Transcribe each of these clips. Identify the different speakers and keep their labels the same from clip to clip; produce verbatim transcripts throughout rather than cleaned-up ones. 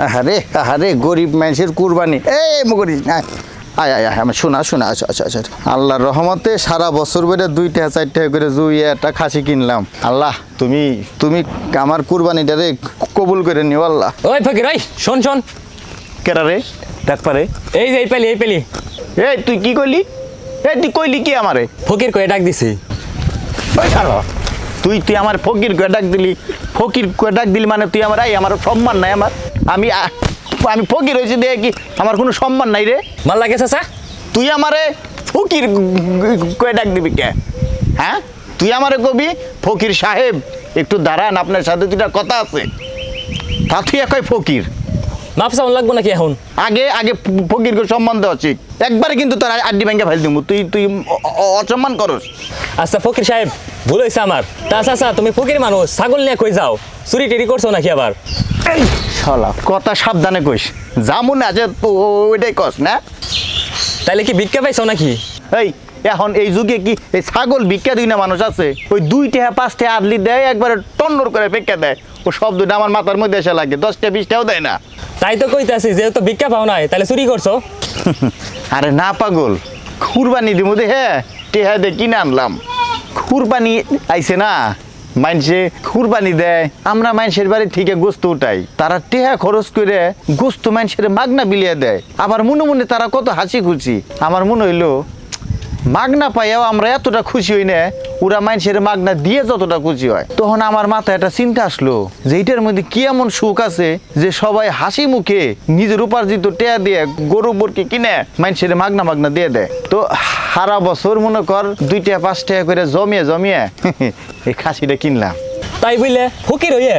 Speaker 1: আরে আরে গরিব মানুষের কুরবানি এই মগরি আয় আয় আয় আমি শোনা শোনা আচ্ছা আচ্ছা আচ্ছা আল্লাহর রহমতে সারা বছর বেড়ে দুইটা চারটা করে জুইয়ে একটা খাসি কিনলাম। আল্লাহ তুমি তুমি আমার কুরবানিটারে কবুল করে নিও আল্লাহ।
Speaker 2: ওই ফকির ওই শোন শোন
Speaker 1: কেরা রে ডাক পারে
Speaker 2: এই যে এই পেলি এই পেলি
Speaker 1: এই তুই কি কইলি? এই তুই কইলি কি আমারে?
Speaker 2: ফকির কয়ে ডাক দিছি।
Speaker 1: ওই ছাড়ো তুই তুই আমার ফকির কয়ে ডাক দিলি ফকির কয়ে ডাক দিলি মানে তুই আমার এই আমার সম্মান নাই আমার আমি আমি ফকির হয়েছি দেখে কি আমার কোনো সম্মান নাই রে?
Speaker 2: মাল লাগে চাচা
Speaker 1: তুই আমারে ফকির কয়ে ডাক দিবি কে? হ্যাঁ তুই আমারে কবি ফকির সাহেব একটু দাঁড়ান আপনার সাথে দুটা কথা আছে তা তুই একই ফকির
Speaker 2: মাপ চাউন লাগবো নাকি এখন?
Speaker 1: আগে আগে ফকিরকে সম্মান দেওয়া উচিত একবারে কিন্তু তোর আড্ডি ব্যাংকে ফেল দিব তুই তুই অসম্মান করস।
Speaker 2: আচ্ছা ফকির সাহেব ভুল হয়েছে আমার। তা চাচা তুমি ফকির মানুষ ছাগল নিয়ে কই যাও চুরি টেরি করছো নাকি আবার?
Speaker 1: এই শালা কথা সাবধানে কইস যা মনে আছে ওইটাই কস না।
Speaker 2: তাইলে কি ভিক্ষা পাইছো নাকি?
Speaker 1: এই এখন এই যুগে কি এই ছাগল ভিক্ষা দিই না মানুষ আছে? ওই দুই টাকা পাঁচ টাকা আদলি দেয় একবারে টন্নর করে ভিক্ষা দেয় ও সব দুটো আমার মাথার মধ্যে এসে লাগে দশটা বিশটাও দেয় না।
Speaker 2: তাই তো কইতাছি যেহেতু ভিক্ষা পাও নাই তাহলে চুরি করছো।
Speaker 1: আরে না পাগল কুরবানি দিব দে হ্যাঁ টেহা দে কিনে আনলাম কুরবানি আইছে না মানুষে কুরবানি দেয় আমরা মানুষের বাড়ি থেকে গোস্ত উঠাই তারা টেহা খরচ করে গোস্ত মানুষের মাগনা বিলিয়ে দেয় আবার মনে মনে তারা কত হাসি খুশি। আমার মনে হইলো মাগনা পাইয়াও আমরা এতটা খুশি হই না ওরা মানুষের মাগনা দিয়ে যতটা খুশি হয়। তখন আমার মাথায় একটা চিন্তা আসলো যে এইটার মধ্যে কি এমন সুখ আছে যে সবাই হাসি মুখে নিজের উপার্জিত টেয়া দিয়ে গরু বরকি কিনে মানুষের মাগনা মাগনা দিয়ে দেয়। তো সারা বছর মনে কর দুইটা পাঁচ টাকা করে জমিয়ে জমিয়ে এই খাসিটা কিনলাম।
Speaker 2: তাই বুঝলে ফকির হইয়ে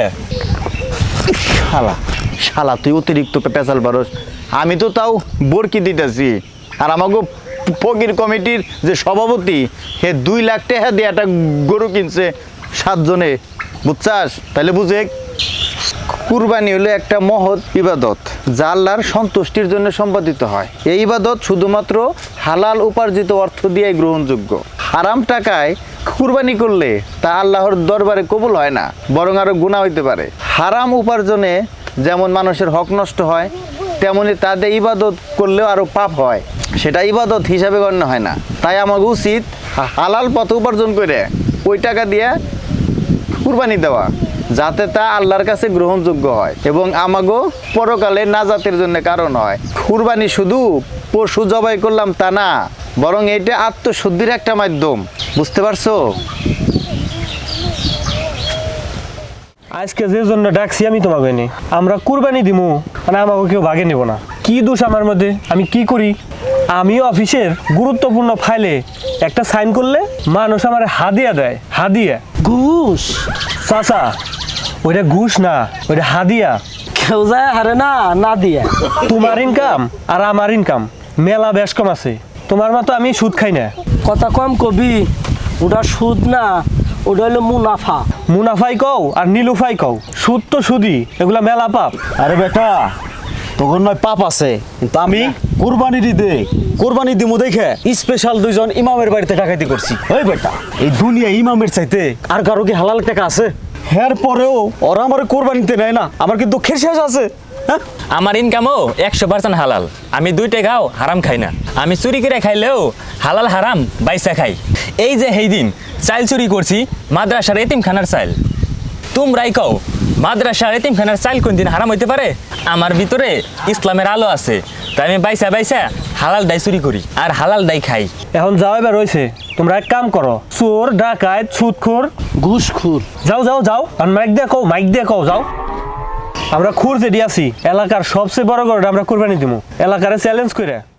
Speaker 1: শালা শালা তুই অতিরিক্ত পেঁচাল পারস আমি তো তাও বরকি দিতেছি আর আমাকে ফকির কমিটির যে সভাপতি হে দুই লাখ টাকা দিয়ে একটা গরু কিনছে সাতজনে বুঝছাস? তাহলে বুঝে কুরবানি হলো একটা মহৎ ইবাদত যা আল্লাহর সন্তুষ্টির জন্য সম্পাদিত হয়। এই ইবাদত শুধুমাত্র হালাল উপার্জিত অর্থ দিয়ে গ্রহণযোগ্য। হারাম টাকায় কুরবানি করলে তা আল্লাহর দরবারে কবুল হয় না বরং আরো গুনাহ হইতে পারে। হারাম উপার্জনে যেমন মানুষের হক নষ্ট হয় তেমনি তাদের ইবাদত করলেও আরো পাপ হয় সেটা ইবাদত হিসাবে গণ্য হয় না। তাই আমাকে উচিত হালাল পথ উপার্জন করে ওই টাকা দিয়ে কুরবানি দেওয়া যাতে তা আল্লাহর কাছে গ্রহণযোগ্য হয় এবং আমাগো পরকালে নাজাতের জন্য কারণ হয়। কুরবানি শুধু পশু জবাই করলাম তা না বরং এটা আত্মশুদ্ধির একটা মাধ্যম। বুঝতে পারছো?
Speaker 3: আজকে যে জন্য ডাকছি আমি তোমাকে এনে আমরা কুরবানি দিমু মানে আমাকে কেউ ভাগে নেব না। কি দোষ আমার মধ্যে? আমি কি করি? আমি অফিসের গুরুত্বপূর্ণ ফাইলে একটা সাইন করলে মানুষ আমার হাদিয়া দেয়। হাদিয়া
Speaker 4: ঘুষ
Speaker 3: চাচা ওইটা ঘুষ না ওইটা হাদিয়া।
Speaker 4: কেউ যায় হারে না না দিয়া
Speaker 3: তোমার ইনকাম আর আমার ইনকাম মেলা বেশ কম আছে। তোমার মতো আমি সুদ খাই না।
Speaker 4: কথা কম কবি ওটা সুদ না ওটা হলো মুনাফা।
Speaker 3: মুনাফাই কও আর নীলুফাই কও সুদ তো সুদি এগুলা মেলা পাপ।
Speaker 5: আরে বেটা তখন নয় পাপ আছে কিন্তু আমি কুরবানি দিতে কুরবানি দিমু দেখে স্পেশাল দুইজন ইমামের বাড়িতে ডাকাতি করছি। ওই বেটা এই দুনিয়া ইমামের চাইতে আর কারো কি হালাল টাকা আছে? এর পরেও ওরা আমার কুরবানিতে নেয় না আমার কিন্তু দুঃখের শেষ আছে। হ্যাঁ
Speaker 2: আমার ইনকামও একশো পার্সেন্ট হালাল। আমি দুই টাকাও হারাম খাই না। আমি চুরি করে খাইলেও হালাল হারাম বাইসা খাই। এই যে সেই দিন চাইল চুরি করছি মাদ্রাসার এতিমখানার চাইল। তোমরাই কও মাদ্রাসার এতিমখানার চাইল কোন দিন হারাম হইতে পারে? আমার ভিতরে ইসলামের আলো আছে তাই আমি বাইসা বাইসা হালাল দাই চুরি করি আর হালাল দাই খাই।
Speaker 3: এখন যাও এবার রয়েছে তোমরা এক কাম করো চোর ডাকাত সুদখোর
Speaker 4: ঘুষখোর
Speaker 3: যাও যাও যাও আর মাইক দিয়ে কও মাইক দিয়ে কও যাও। আমরা খুঁড়তে দিয়েছি এলাকার সবচেয়ে বড় গরুটা আমরা কুরবানি দিব এলাকারে চ্যালেঞ্জ করে।